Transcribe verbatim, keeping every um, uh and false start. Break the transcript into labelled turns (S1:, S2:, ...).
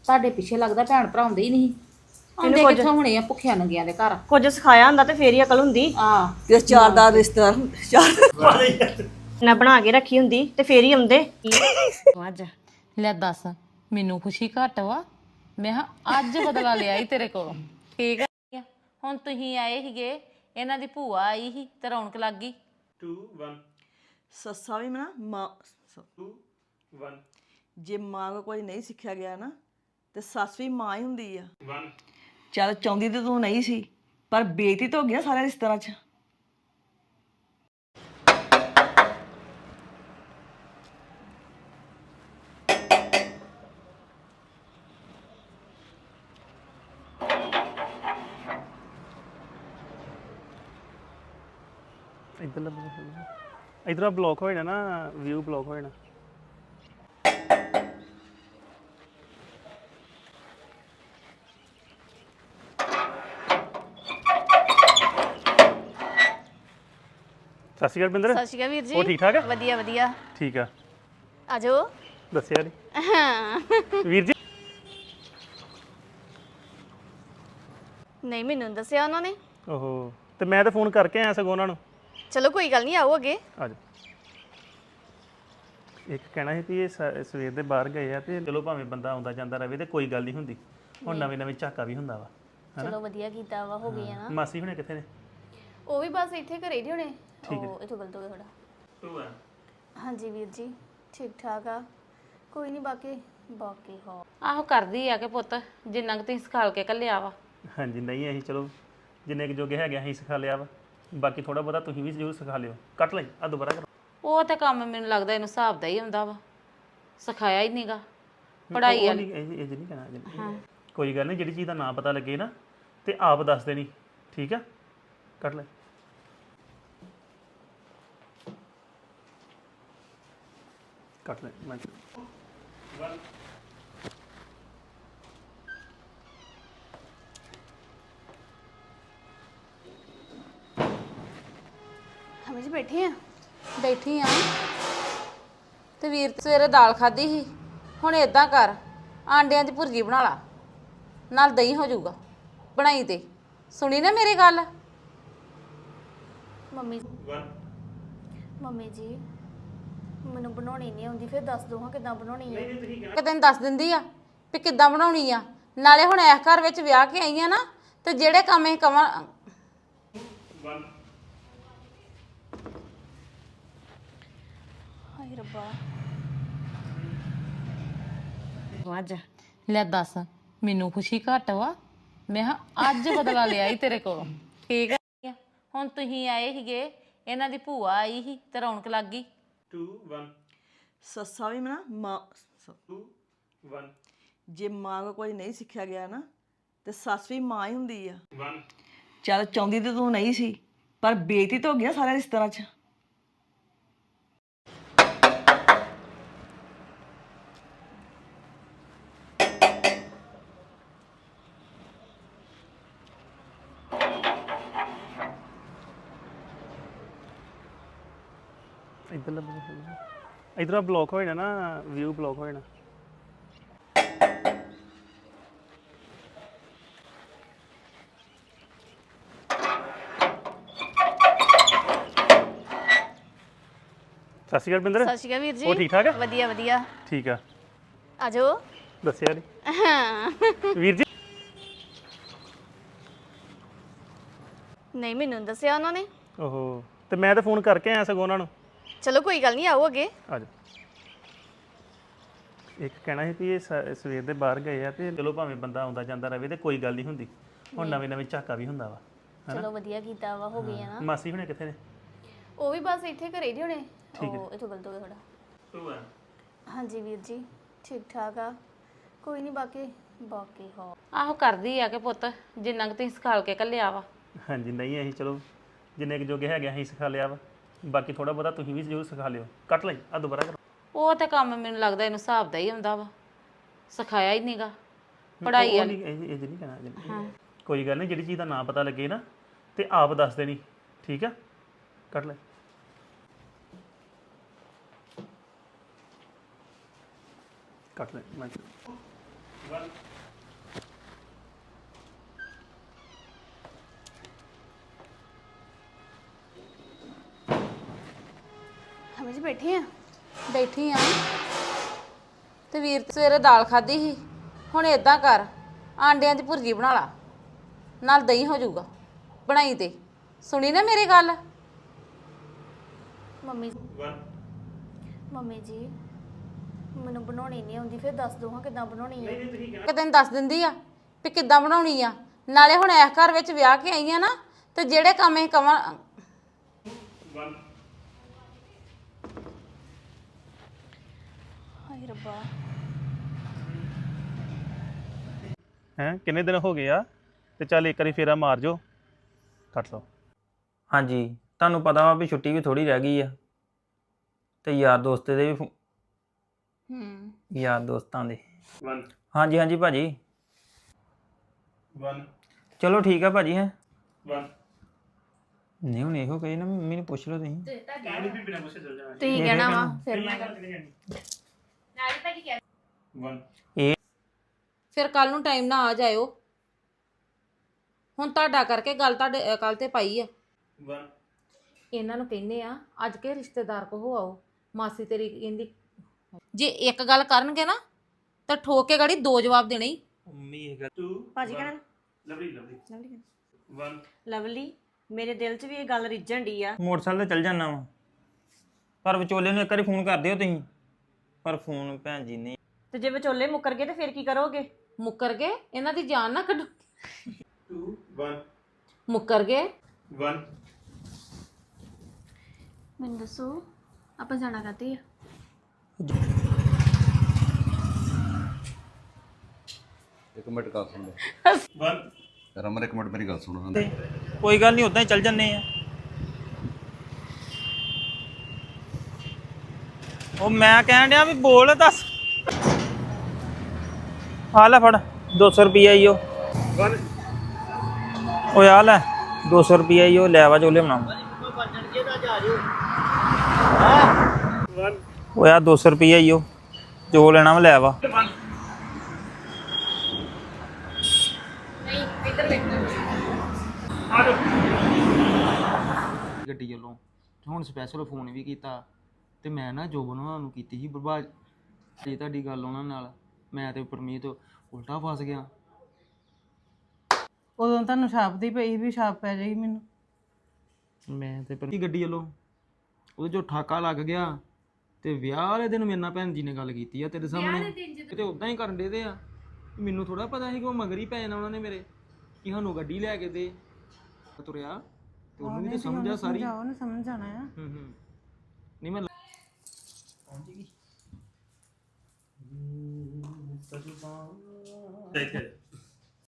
S1: ਤੁਹਾਡੇ ਪਿੱਛੇ ਲੱਗਦਾ ਭੈਣ ਭਰਾ ਹੁੰਦੇ ਹੀ ਨਹੀਂ ਆਉਂਦੇ
S2: ਕੁਝ
S1: ਕਿੱਥੋਂ ਹੋਣੇ ਆ ਭੁੱਖਿਆਂ ਨੰਗਿਆਂ ਦੇ ਘਰ
S2: ਕੁਝ ਸਿਖਾਇਆ ਹੁੰਦਾ ਤੇ ਫੇਰ ਹੀ ਅਕਲ ਹੁੰਦੀ।
S1: ਆ
S3: ਤੇ ਚਾਰ ਦਾ ਰਿਸ਼ਤਾ ਚਾਰ
S2: ਨਾ ਬਣਾ ਕੇ ਰੱਖੀ ਹੁੰਦੀ ਤੇ ਫੇਰ ਹੀ ਆਉਂਦੇ ਅੱਜ
S4: ਲੈ ਦੱਸ ਮੈਨੂੰ ਖੁਸ਼ੀ ਘੱਟ ਵਾ ਮੈਂ ਕਿਹਾ ਅੱਜ ਬਦਲਾ ਲਿਆ ਈ ਤੇਰੇ ਕੋਲੋਂ ਠੀਕ ਆ ਹੁਣ ਤੁਸੀਂ ਆਏ ਸੀਗੇ ਇਹਨਾਂ ਦੀ ਭੂਆ ਆਈ ਸੀ ਤੇ ਰੌਣਕ ਲੱਗ ਗਈ
S5: two one
S3: ਸੱਸਾ ਵੀ ਨਾ ਮਾਂ
S5: two one
S3: ਜੇ ਮਾਂ ਕੋ ਕੋਈ ਨਹੀਂ ਸਿੱਖਿਆ ਗਿਆ ਨਾ ਤੇ ਸੱਸ ਵੀ ਮਾਂ ਹੀ ਹੁੰਦੀ ਆ
S5: one
S3: ਚੱਲ ਚਾਹੁੰਦੀ ਤੇ ਤੂੰ ਨਹੀਂ ਸੀ ਪਰ ਬੇਇੱਜ਼ਤੀ ਤਾਂ ਹੋ ਗਈ ਨਾ ਸਾਰੇ ਰਿਸ਼ਤੇਦਾਰਾਂ 'ਚ
S5: ਇਧਰ ਇਧਰ ਬਲੌਕ ਹੋ ਜਾਣਾ ਨਾ ਵਿਊ ਬਲੌਕ ਹੋ ਜਾਣਾ ਸਤਿ ਸ਼੍ਰੀ ਅਕਾਲ ਬਿੰਦਰ
S6: ਸਤਿ ਸ਼੍ਰੀ ਅਕਾਲ ਵੀਰ ਜੀ
S5: ਉਹ ਠੀਕ ਠਾਕ ਆ
S6: ਵਧੀਆ ਵਧੀਆ
S5: ਠੀਕ ਆ
S6: ਆਜੋ
S5: ਦੱਸਿਆ ਨਹੀਂ ਵੀਰ ਜੀ
S6: ਨਹੀਂ ਮੈਨੂੰ ਦੱਸਿਆ ਉਹਨਾਂ ਨੇ
S5: ਓਹੋ ਤੇ ਮੈਂ ਤਾਂ ਫੋਨ ਕਰਕੇ ਆਇਆ ਸਗੋਂ ਉਹਨਾਂ ਨੂੰ
S6: ਚਲੋ ਕੋਈ ਗੱਲ ਨਹੀਂ ਆਓ ਅੱਗੇ
S5: ਆ ਜਾ ਇੱਕ ਕਹਿਣਾ ਸੀ ਵੀ ਇਹ ਸ- ਸਵੇਰ ਦੇ ਬਾਹਰ ਗਏ ਆ ਤੇ ਚਲੋ ਭਾਵੇਂ ਬੰਦਾ ਆਉਂਦਾ ਜਾਂਦਾ ਰਵੇ ਤੇ ਕੋਈ ਗੱਲ ਨਹੀਂ ਹੁੰਦੀ ਹੁਣ ਨਵੇਂ ਨਵੇਂ ਝਾਕਾ ਵੀ ਹੁੰਦਾ ਵਾ
S6: ਚਲੋ ਵਧੀਆ ਕੀਤਾ ਵਾ ਹੋ ਗਈ ਆ ਨਾ
S5: ਮਾਸੀ ਹੁਣੇ ਕਿੱਥੇ ਨੇ
S6: ਉਹ ਵੀ ਬਸ ਇੱਥੇ ਘਰੇ ਹੀ ਹੋਣੇ ਉਹ ਇਥੋਂ ਗਲਤ ਹੋ ਗਿਆ ਥੋੜਾ
S5: two one
S6: ਹਾਂਜੀ ਵੀਰ ਜੀ ਠੀਕ ਠਾਕ ਆ ਕੋਈ ਨਹੀਂ ਬਾਕੀ ਬਾਕੀ ਹੋ
S4: ਆਹੋ ਕਰਦੀ ਆ ਕਿ ਪੁੱਤ ਜਿੰਨਾ ਕੁ ਤੁਸੀਂ ਸਿਖਾਲ ਕੇ ਘੱਲਿਆ ਵਾ
S5: ਹਾਂਜੀ ਨਹੀਂ ਅਸੀਂ ਚਲੋ ਜਿੰਨੇ ਕੁ ਜੋਗੇ ਹੈਗੇ ਅਸੀਂ ਸਿਖਾ ਲਿਆ ਵਾ ਬਾਕੀ ਥੋੜਾ ਬਹੁਤਾ ਤੁਸੀਂ ਵੀ ਜ਼ਰੂਰ ਸਿਖਾ ਲਿਓ ਕੱਟ ਲਈ ਆ ਦੁਬਾਰਾ ਕਰੋ
S4: ਉਹ ਤੇ ਕੰਮ ਮੈਨੂੰ ਲੱਗਦਾ ਇਹਨੂੰ ਹਿਸਾਬ ਦਾ ਹੀ ਹੁੰਦਾ ਵਾ ਸਿਖਾਇਆ ਹੀ ਨਹੀਂਗਾ ਪੜ੍ਹਾਈ
S5: ਉਹ
S4: ਵਾਲੀ
S5: ਨਹੀਂ ਇਹ ਇਹ 'ਚ ਨਹੀਂ ਕਹਿਣਾ ਇਹ 'ਚ। ਕੋਈ ਗੱਲ ਨਹੀਂ ਜਿਹੜੀ ਚੀਜ਼ ਦਾ ਨਾਂ ਪਤਾ ਲੱਗੇ ਨਾ ਤੇ ਆਪ ਦੱਸ ਦੇਣੀ ਠੀਕ ਆ ਕੱਟ ਲੈ ਕੱਟ ਲੈ ਮੈਂ
S6: ਹਮੇ ਜੀ ਬੈਠੇ ਆ
S4: ਬੈਠੀ ਆ ਤੇ ਵੀਰ ਤੇ ਸਵੇਰੇ ਦਾਲ ਖਾਧੀ ਸੀ ਹੁਣ ਏਦਾਂ ਕਰ ਆਂਡਿਆਂ ਦੀ ਭੁਰਜੀ ਬਣਾ ਲਾ ਨਾਲ ਦਹੀਂ ਹੋ ਜਾਊਗਾ ਬਣਾਈ ਤੇ ਸੁਣੀ ਨਾ ਮੇਰੀ ਗੱਲ
S6: ਮੰਮੀ ਮੰਮੀ ਜੀ ਮੈਨੂੰ ਬਣਾਉਣੀ ਨਹੀਂ ਆਉਂਦੀ ਫਿਰ ਦੱਸ ਦੋ ਹਾਂ ਕਿਦਾਂ ਬਣਾਉਣੀ ਹੈ
S4: ਕਿ ਤੈਨੂੰ ਦੱਸ ਦਿੰਦੀ ਆ ਵੀ ਕਿੱਦਾਂ ਬਣਾਉਣੀ ਆ ਨਾਲੇ ਹੁਣ ਇਸ ਘਰ ਵਿੱਚ ਵਿਆਹ ਕੇ ਆਈ ਆ ਨਾ ਤੇ ਜਿਹੜੇ ਕੰਮ ਇਹ ਕਵਾਂ
S6: ਹਾਏ ਰੱਬਾ
S2: ਅੱਜ
S4: ਲੈ ਦੱਸ ਮੈਨੂੰ ਖੁਸ਼ੀ ਘੱਟ ਵਾ ਮੈਂ ਕਿਹਾ ਅੱਜ ਬਦਲਾ ਲਿਆ ਈ ਤੇਰੇ ਕੋਲੋਂ ਠੀਕ ਆ ਹੁਣ ਤੁਸੀਂ ਆਏ ਸੀਗੇ ਇਹਨਾਂ ਦੀ ਭੂਆ ਆਈ ਸੀ ਤੇ ਰੌਣਕ ਲੱਗ ਗਈ
S5: two one
S3: ਸੱਸਾ ਵੀ ਨਾ ਮਾਂ
S5: two one
S3: ਜੇ ਮਾਂ ਕੋ ਕੋਈ ਨਹੀਂ ਸਿੱਖਿਆ ਗਿਆ ਨਾ ਤੇ ਸੱਸ ਵੀ ਮਾਂ ਹੀ ਹੁੰਦੀ ਆ
S5: one
S3: ਚੱਲ ਚਾਹੁੰਦੀ ਤੇ ਤੂੰ ਨਹੀਂ ਸੀ ਪਰ ਬੇਇੱਜ਼ਤੀ ਤਾਂ ਹੋ ਗਈ ਨਾ ਸਾਰੇ ਰਿਸ਼ਤੇਦਾਰਾਂ 'ਚ
S5: ਇਧਰ ਇਧਰ ਬਲੌਕ ਹੋ ਜਾਣਾ ਨਾ ਵਿਊ ਬਲੌਕ ਹੋ ਜਾਣਾ ਸਤਿ ਸ਼੍ਰੀ ਅਕਾਲ ਬਿੰਦਰ
S6: ਸਤਿ ਸ਼੍ਰੀ ਅਕਾਲ ਵੀਰ ਜੀ
S5: ਉਹ ਠੀਕ ਠਾਕ ਆ
S6: ਵਧੀਆ ਵਧੀਆ
S5: ਠੀਕ ਆ
S6: ਆਜੋ
S5: ਦੱਸਿਆ ਨਹੀਂ ਵੀਰ ਜੀ
S6: ਨਹੀਂ ਮੈਨੂੰ ਦੱਸਿਆ ਉਹਨਾਂ ਨੇ
S5: ਓਹੋ ਤੇ ਮੈਂ ਤਾਂ ਫੋਨ ਕਰਕੇ ਆਇਆ ਸਗੋਂ ਉਹਨਾਂ ਨੂੰ
S6: ਚਲੋ ਕੋਈ ਗੱਲ ਨਹੀਂ ਆਓ ਅੱਗੇ
S5: ਆ ਜਾ ਇੱਕ ਕਹਿਣਾ ਸੀ ਵੀ ਇਹ ਸ- ਸਵੇਰ ਦੇ ਬਾਹਰ ਗਏ ਆ ਤੇ ਚਲੋ ਭਾਵੇਂ ਬੰਦਾ ਆਉਂਦਾ ਜਾਂਦਾ ਰਵੇ ਤੇ ਕੋਈ ਗੱਲ ਨਹੀਂ ਹੁੰਦੀ ਹੁਣ ਨਵੇਂ ਨਵੇਂ ਝਾਕਾ ਵੀ ਹੁੰਦਾ ਵਾ
S6: ਚਲੋ ਵਧੀਆ ਕੀਤਾ ਵਾ ਹੋ ਗਈ ਆ ਨਾ
S5: ਮਾਸੀ ਹੁਣੇ ਕਿੱਥੇ ਨੇ
S6: ਉਹ ਵੀ ਬਸ ਇੱਥੇ ਘਰੇ ਹੀ ਹੋਣੇ ਉਹ ਇਥੋਂ ਗਲਤ ਹੋ ਗਿਆ ਥੋੜਾ
S5: two one
S6: ਹਾਂਜੀ ਵੀਰ ਜੀ ਠੀਕ ਠਾਕ ਆ ਕੋਈ ਨਹੀਂ ਬਾਕੀ ਬਾਕੀ ਹੋ
S4: ਆਹੋ ਕਰਦੀ ਆ ਕਿ ਪੁੱਤ ਜਿੰਨਾ ਕੁ ਤੁਸੀਂ ਸਿਖਾਲ ਕੇ ਘੱਲਿਆ ਵਾ
S5: ਹਾਂਜੀ ਨਹੀਂ ਅਸੀਂ ਚਲੋ ਜਿੰਨੇ ਕੁ ਜੋਗੇ ਹੈਗੇ ਅਸੀਂ ਸਿਖਾ ਲਿਆ ਵਾ ਬਾਕੀ ਥੋੜਾ ਬਹੁਤਾ ਤੁਸੀਂ ਵੀ ਜ਼ਰੂਰ ਸਿਖਾ ਲਿਓ ਕੱਟ ਲਈ ਆ ਦੁਬਾਰਾ ਕਰੋ
S4: ਉਹ ਤੇ ਕੰਮ ਮੈਨੂੰ ਲੱਗਦਾ ਇਹਨੂੰ ਹਿਸਾਬ ਦਾ ਹੀ ਹੁੰਦਾ ਵਾ ਸਿਖਾਇਆ ਹੀ ਨਹੀਂਗਾ ਪੜ੍ਹਾਈ
S5: ਉਹ
S4: ਵਾਲੀ
S5: ਨਹੀਂ ਇਹ ਇਹ 'ਚ ਨਹੀਂ ਕਹਿਣਾ ਇਹ 'ਚ। ਕੋਈ ਗੱਲ ਨਹੀਂ ਜਿਹੜੀ ਚੀਜ਼ ਦਾ ਨਾਂ ਪਤਾ ਲੱਗੇ ਨਾ ਤੇ ਆਪ ਦੱਸ ਦੇਣੀ ਠੀਕ ਆ ਕੱਟ ਲੈ ਕੱਟ ਲੈ ਮੈਂ
S6: ਹਮੇ ਜੀ ਬੈਠੇ ਆ
S4: ਬੈਠੀ ਆ ਤੇ ਵੀਰ ਤੇ ਸਵੇਰੇ ਦਾਲ ਖਾਧੀ ਸੀ ਹੁਣ ਏਦਾਂ ਕਰ ਆਂਡਿਆਂ ਦੀ ਭੁਰਜੀ ਬਣਾ ਲਾ ਨਾਲ ਦਹੀਂ ਹੋ ਜਾਊਗਾ ਬਣਾਈ ਤੇ ਸੁਣੀ ਨਾ ਮੇਰੀ ਗੱਲ
S6: ਮੰਮੀ ਮੰਮੀ ਜੀ ਮੈਨੂੰ ਬਣਾਉਣੀ ਨਹੀਂ ਆਉਂਦੀ ਫਿਰ ਦੱਸ ਦੋ ਹਾਂ ਕਿਦਾਂ ਬਣਾਉਣੀ ਹੈ
S4: ਕਿ ਤੈਨੂੰ ਦੱਸ ਦਿੰਦੀ ਆ ਵੀ ਕਿੱਦਾਂ ਬਣਾਉਣੀ ਆ ਨਾਲੇ ਹੁਣ ਇਸ ਘਰ ਵਿੱਚ ਵਿਆਹ ਕੇ ਆਈ ਆ ਨਾ ਤੇ ਜਿਹੜੇ ਕੰਮ ਇਹ ਕਵਾਂ
S6: ਹਾਏ ਰੱਬਾ
S5: ਹੈ ਕਿੰਨੇ ਦਿਨ ਹੋ ਗਏ ਆ ਤੇ ਚੱਲ ਇੱਕ ਵਾਰੀ ਫੇਰਾ ਮਾਰ ਜੋ ਕੱਟ ਲਓ
S7: ਹਾਂਜੀ ਤੁਹਾਨੂੰ ਪਤਾ ਵਾ ਵੀ ਛੁੱਟੀ ਵੀ ਥੋੜੀ ਰਹਿ ਗਈ ਆ ਤੇ ਯਾਰ ਦੋਸਤ ਦੇ ਵੀ ਫੋ-
S4: ਹੂੰ
S7: ਯਾਰ ਦੋਸਤਾਂ ਦੇ
S5: ਵਨ
S7: ਹਾਂਜੀ ਹਾਂਜੀ ਭਾਜੀ
S5: ਵਨ
S7: ਚਲੋ ਠੀਕ ਆ ਭਾਜੀ ਹੈ
S5: ਵਨ
S7: ਨਹੀਂ ਹੁਣ ਇਹੋ ਕਹੀ ਨਾ ਮੰਮੀ ਨੂੰ ਪੁੱਛ ਲਓ ਤੁਸੀਂ
S5: ਇਹਨੂੰ ਵੀ ਬਿਨਾਂ ਪੁੱਛੇ ਚੱਲ ਜਾਣਾ
S6: ਤੁਸੀਂ ਕਹਿਣਾ ਵਾ ਫਿਰ ਮੈਂ
S5: ਵਨ
S4: ਫਿਰ ਕੱਲ ਨੂੰ ਟਾਈਮ ਨਾਲ ਆ ਜਾਇਓ ਹੁਣ ਤੁਹਾਡਾ ਕਰਕੇ ਗੱਲ ਤੁਹਾਡੇ ਕੱਲ ਤੇ ਪਾਈ ਆ
S5: ਵਨ
S4: ਇਹਨਾਂ ਨੂੰ ਕਹਿੰਦੇ ਆ ਅੱਜ ਕੇ ਰਿਸ਼ਤੇਦਾਰ ਕੋ ਹੋ ਆਓ ਮਾਸੀ ਤੇਰੀ ਕਹਿੰਦੀ ਜੇ ਇੱਕ ਗੱਲ ਕਰਨਗੇ ਨਾ ਤਾਂ ਠੋਕ ਕੇ ਗਾੜੀ ਦੋ ਜਵਾਬ ਦੇਣੇ ਹੀ
S7: ਮੰਮੀ ਇਹ ਗੱਲ
S5: ਟੂ
S2: ਭਾਜੀ ਕਹਿਣਾ
S5: lovely lovely
S2: lovely
S5: one
S2: lovely ਮੇਰੇ ਦਿਲ 'ਚ ਵੀ ਇਹ ਗੱਲ ਰਿੱਝਣ ਡਈ ਆ
S7: ਮੋਟਰਸਾਈਕਲ ਤੇ ਚੱਲ ਜਾਣਾ ਵਾ ਪਰ ਵਿਚੋਲੇ ਨੂੰ ਇੱਕ ਵਾਰੀ ਫੋਨ ਕਰ ਦਿਓ ਤੁਸੀਂ ਪਰ ਫੋਨ ਭੈਣ ਜੀ ਨੇ
S2: ਤੇ ਜੇ ਵਿਚੋਲੇ ਮੁੱਕਰ ਗਏ ਤੇ ਫਿਰ ਕੀ ਕਰੋਗੇ
S4: ਮੁੱਕਰ ਗਏ ਇਹਨਾਂ ਦੀ ਜਾਨ ਨਾ ਕੱਢੋ
S5: ਟੂ ਵਨ
S4: ਮੁੱਕਰ ਗਏ
S5: ਵਨ
S6: ਮੈਨੂੰ ਦੱਸੋ ਆਪਾਂ ਜਾਣਾ ਕਾਤੇ ਆ
S8: ਇੱਕ ਮਿੰਟ ਗੱਲ ਸੁਣ ਲੈ
S5: ਵਨ
S8: ਰਮਨ ਇੱਕ ਮਿੰਟ ਮੇਰੀ ਗੱਲ ਸੁਣੋ ਹਾਂ
S7: ਕੋਈ ਗੱਲ ਨਹੀਂ ਉਦਾਂ ਹੀ ਚੱਲ ਜੰਨੇ ਆ ਉਹ ਮੈਂ ਕਹਿਣ ਡਿਆ ਵੀ ਬੋਲ ਦੱਸ ਆ ਲੈ ਫੜ ਦੋ ਸੌ ਰੁਪਈਆ ਈ ਉਹ
S5: ਵਨ
S7: ਓਏ ਆ ਲੈ ਦੋ ਸੌ ਰੁਪਈਆ ਈ ਉਹ ਲੈ ਵਾ ਚੋਲੇ ਬਣਾਉਂ
S5: ਵਨ
S7: ਓਏ ਆ ਦੋ ਸੌ ਰੁਪਈਆ ਈ ਉਹ ਜੋ ਲੈਣਾ ਵਾ ਲੈ ਵਾ
S9: ਗੱਡੀ ਵੱਲੋਂ ਹੁਣ ਸਪੈਸ਼ਲ ਫੋਨ ਵੀ ਕੀਤਾ ਤੇ ਮੈਂ ਨਾ ਜੋਬਨ ਉਹਨਾਂ ਨੂੰ ਕੀਤੀ ਸੀ ਬਰਬਾਦ ਤੇ ਤੁਹਾਡੀ ਗੱਲ ਉਹਨਾਂ ਨਾਲ ਮੈਂ ਤੇ ਪਰਮੀਤ ਉਲਟਾ ਫਸ ਗਿਆ
S10: ਉਦੋਂ ਤੁਹਾਨੂੰ ਛਾਪ ਦੀ ਪਈ ਵੀ ਛਾਪ ਪੈ ਜਾਏਗੀ ਮੈਨੂੰ
S9: ਮੈਂ ਤੇ ਪਰ ਗੱਡੀ ਵੱਲੋਂ ਉਹਦੇ ਜੋ ਠਾਕਾ ਲੱਗ ਗਿਆ ਤੇ ਵਿਆਹ ਵਾਲੇ ਦਿਨ ਮੇਰੇ ਨਾਲ ਭੈਣ ਜੀ ਨੇ ਗੱਲ ਕੀਤੀ ਆ ਤੇਰੇ ਸਾਹਮਣੇ ਤੇ ਉਦਾਂ ਹੀ ਕਰਨ ਦੇ ਦੇ ਆ ਮੈਨੂੰ ਥੋੜਾ ਪਤਾ ਸੀ ਕਿ ਉਹ ਮਗਰ ਹੀ ਪੈ ਜਾਣਾ ਉਹਨਾਂ ਨੇ ਮੇਰੇ ਕਿ ਸਾਨੂੰ ਗੱਡੀ ਲੈ ਕੇ ਦੇ ਤੁਰਿਆ ਤੇ ਉਹਨੂੰ ਵੀ ਤਾਂ ਸਮਝ ਆ ਸਾਰੀ
S10: ਉਹਨੇ ਸਮਝ ਜਾਣਾ ਆ
S9: ਹੂੰ ਹੂੰ ਨਹੀਂ ਮੈਂ
S5: ਦੇਖ